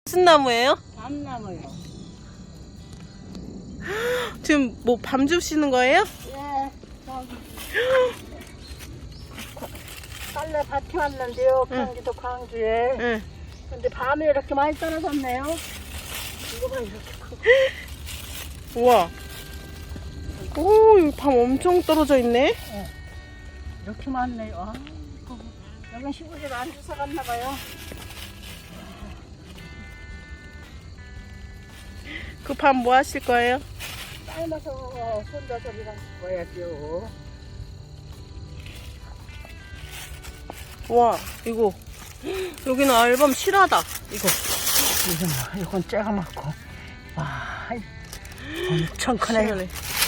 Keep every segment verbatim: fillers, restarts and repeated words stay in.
무슨 나무예요? 밤나무요. 지금 뭐 밤 주시는 거예요? 예, 저기. 빨래 밭에 왔는데요. 응. 경기도 광주에. 응. 근데 밤에 이렇게 많이 떨어졌네요. 이거만 이렇게 크고. 우와. 오, 이거 밤 엄청 떨어져 있네. 이렇게 많네요. 아, 여기 시골에 안 주워 갔나 봐요. 그 밤 뭐 하실 거예요? 삶아서 손자들이랑 먹어야죠. 와, 이거. 여기는 앨범 실하다. 이거. 이건, 이건 째가 많고. 와, 엄청 크네요. 실하네.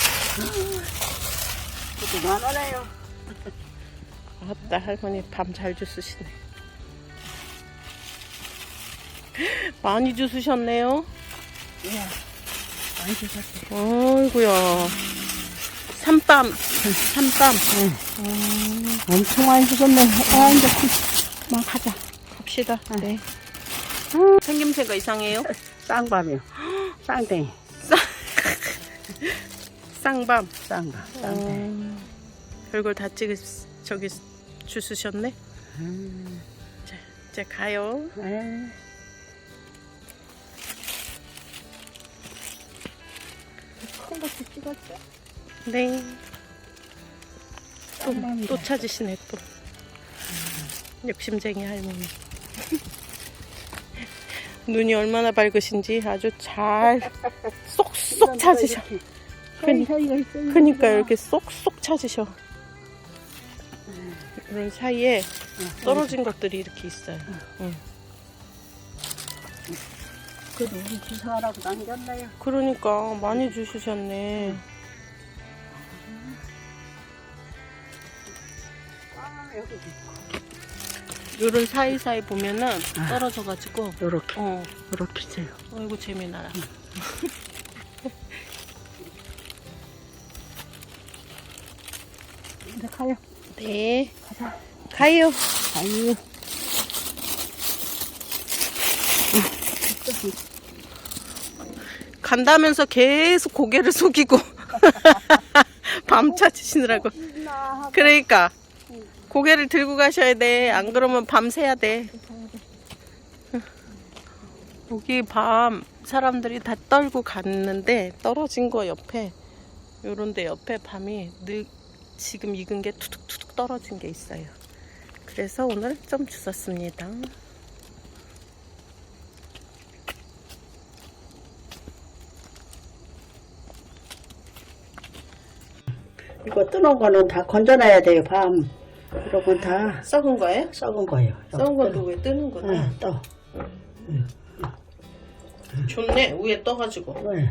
이것도 많아요. 아따, 할머니 밤 잘 주스시네. 많이 주스셨네요. 예, 많이 주셨어요. 아이고야. 삼밤. 삼밤. 응. 엄청 많이 주셨네. 아, 이제 막 가자. 갑시다. 네. 생김새가 이상해요? 쌍밤이요. 쌍댕이. 쌍밤. 쌍밤. 쌍댕이. 음, 별걸 다 찍으, 저기 주스셨네? 음. 자, 이제 가요. 네. 큰 것도 찍었죠? 네. 또, 쌍밤이다. 또 찾으시네, 또. 욕심쟁이 할머니. 눈이 얼마나 밝으신지 아주 잘 쏙쏙 찾으셔. 그니- 그니까 이렇게 쏙쏙 찾으셔. 이런 사이에 떨어진 것들이 이렇게 있어요. 응. 그래도 우리 주사하라고 남겼나요? 그러니까 많이 주시셨네. 아, 여기도 있고. 요런 사이사이 보면은 떨어져가지고 요렇게, 어, 요렇게 있어요. 어이구 재미나라. 이제 가요. 네, 가자. 가요. 아유. 간다면서 계속 고개를 숙이고 밤 찾으시느라고. 그러니까 고개를 들고 가셔야 돼. 안 그러면 밤 새야 돼. 여기 밤 사람들이 다 떨고 갔는데 떨어진 거 옆에 요런데 옆에 밤이 늘 지금 익은 게 투둑투둑 떨어진 게 있어요. 그래서 오늘 좀 주웠습니다. 이거 뜨는 거는 다 건져놔야 돼요, 밤. 이런 건 다 썩은 거예요? 썩은 거예요. 썩은 것도 왜 뜨는구나. 응, 떠. 좋네. 위에 떠가지고. 왜?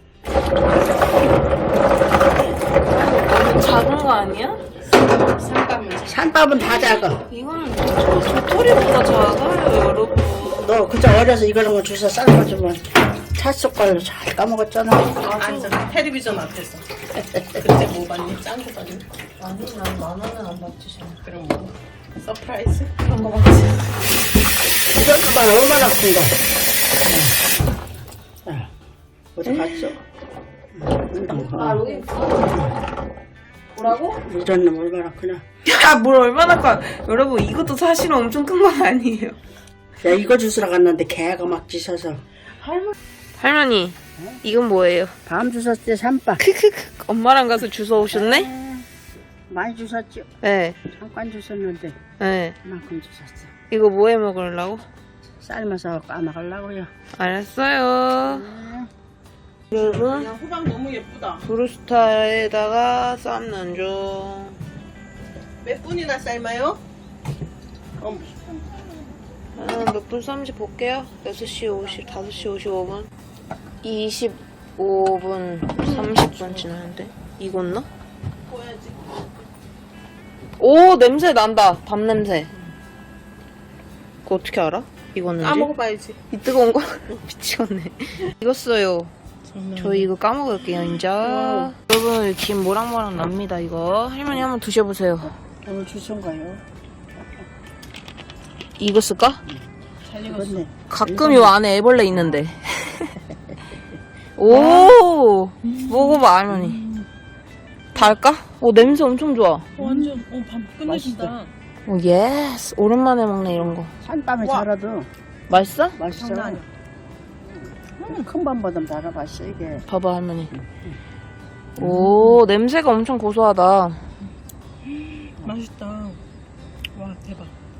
너무 작은 거 아니야? 쌍밤은 산밥은 다 작아. 이거는 저 도토리보다 작아요, 여러분. 너 그저 어려서 이거는 거 주워 삶아주면 찻속 걸로 잘 까먹었잖아. 앉아. 텔레비전 앞에서. 그때 뭐 봤니? 짠 거 봤니? 아니, 난 만화는 안 봤지, 잘. 그럼 뭐? 서프라이즈? 그런 거 봤지. 이런 거만 얼마나 큰 거. 자, 어디 갔어? 아, 여기 있어. 뭐라고? 이런 놈 얼마나 크나. 야, 뭘 얼마나 커. 여러분, 이것도 사실은 엄청 큰 건 아니에요. 야, 이거 주스러 갔는데 개가 막 짖어서. 할머니. 할머니, 이건 뭐예요? 밤 주웠지, 산밥. 크크크. 엄마랑 가서 주워 오셨네? 많이 주웠죠. 네. 잠깐 주웠는데 네. 그만큼 주웠어. 이거 뭐 해 먹으려고? 삶아서 까먹으려고요. 알았어요. 여러분, 야, 호박 너무 예쁘다. 브루스타에다가 삶는 중. 몇 분이나 삶아요? 어, 아, 몇 분 삶는지 볼게요. 여섯 시 오십, 다섯 시 오십오 분. 이십오 분, 삼십 분 지났는데. 익었나? 보여야지. 오, 냄새 난다. 밤 냄새. 그거 어떻게 알아? 익었는지? 까먹어봐야지. 이 뜨거운 거? 미치겠네. 익었어요. 저희 이거 까먹을게요, 이제. 여러분, 김 모락모락 납니다, 이거. 할머니 한번 드셔보세요. 오늘 주신 거요. 익었을까? 잘 익었어. 익었네. 가끔 요 안에 애벌레 있는데. 오, 먹어봐 할머니. 달까? 오, 냄새 엄청 좋아. 어, 완전 어, 밥 끝내준다. 오, 예스. 오랜만에 먹네 이런 거. 산밤에 와. 자라도 맛있어? 맛있어. 장난 아니야. 음, 큰 밤보다 자라봤어 이게. 봐봐 할머니. 오, 냄새가 엄청 고소하다. 맛있다. 와 대박.